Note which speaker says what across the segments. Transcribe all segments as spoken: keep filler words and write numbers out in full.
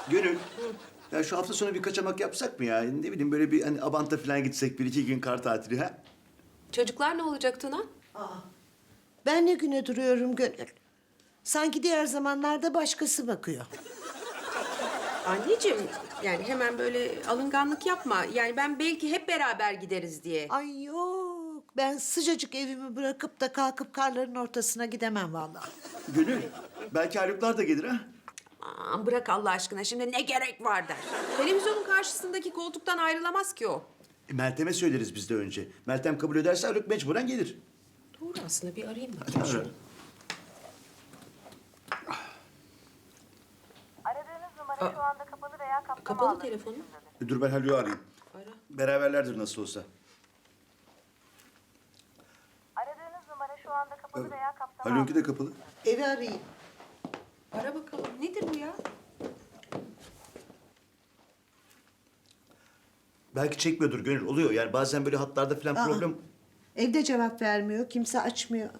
Speaker 1: Gönül. Ya şu hafta sonu bir kaçamak yapsak mı ya? Ne bileyim böyle bir hani Abant'a falan gitsek bir iki gün kar tatili ha?
Speaker 2: Çocuklar ne olacak Tuna?
Speaker 3: Ben ne güne duruyorum Gönül? Sanki diğer zamanlarda başkası bakıyor.
Speaker 2: Anneciğim yani hemen böyle alınganlık yapma. Yani ben belki hep beraber gideriz diye.
Speaker 3: Ay yok, ben sıcacık evimi bırakıp da kalkıp karların ortasına gidemem vallahi.
Speaker 1: Gönül. Belki Haluklar da gelir ha?
Speaker 2: Aman bırak Allah aşkına şimdi ne gerek var der. Televizyonun karşısındaki koltuktan ayrılamaz ki o.
Speaker 1: E, Meltem'e söyleriz biz de önce. Meltem kabul ederse Haluk mecburen gelir.
Speaker 2: Doğru aslında bir arayayım bakayım şunu.
Speaker 4: Aradığınız numara şu anda kapalı veya kapsama
Speaker 2: Kapalı
Speaker 4: alanı
Speaker 2: telefonu.
Speaker 4: dışındadır.
Speaker 1: E, Dur ben Haluk'u arayayım.
Speaker 2: Ara.
Speaker 1: Beraberlerdir nasıl olsa.
Speaker 4: Aradığınız numara şu anda kapalı veya kapsama
Speaker 1: Haluk'unki de
Speaker 4: alanı
Speaker 1: kapalı.
Speaker 3: Evi arayayım.
Speaker 2: Ara bakalım. Nedir bu ya?
Speaker 1: Belki çekmiyordur Gönül. Oluyor yani bazen böyle hatlarda falan
Speaker 3: Aa.
Speaker 1: problem...
Speaker 3: Evde cevap vermiyor, kimse açmıyor.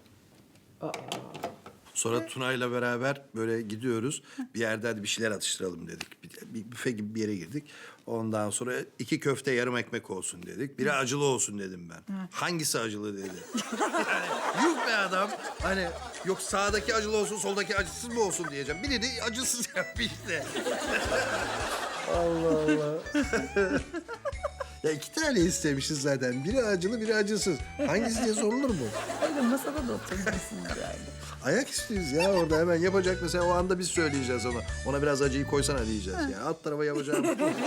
Speaker 5: Sonra Tuna'yla beraber böyle gidiyoruz. Bir yerde hadi bir şeyler atıştıralım dedik. Bir, bir büfe gibi bir yere girdik. Ondan sonra iki köfte yarım ekmek olsun dedik. Biri acılı olsun dedim ben. Hangisi acılı dedi. Yani, yuh be adam. Hani yok sağdaki acılı olsun soldaki acısız mı olsun diyeceğim. Biri de acısız yapmış işte. Allah Allah. Ya iki tane istemişiz zaten. Biri acılı, biri acısız. Hangisi diye sorulur mu?
Speaker 6: Öyle masada da oturabilirsiniz yani.
Speaker 5: Ayak istiyoruz ya orada hemen yapacak mesela o anda biz söyleyeceğiz ona. Ona biraz acıyı koysana diyeceğiz ya. Alt tarafa yapacağım.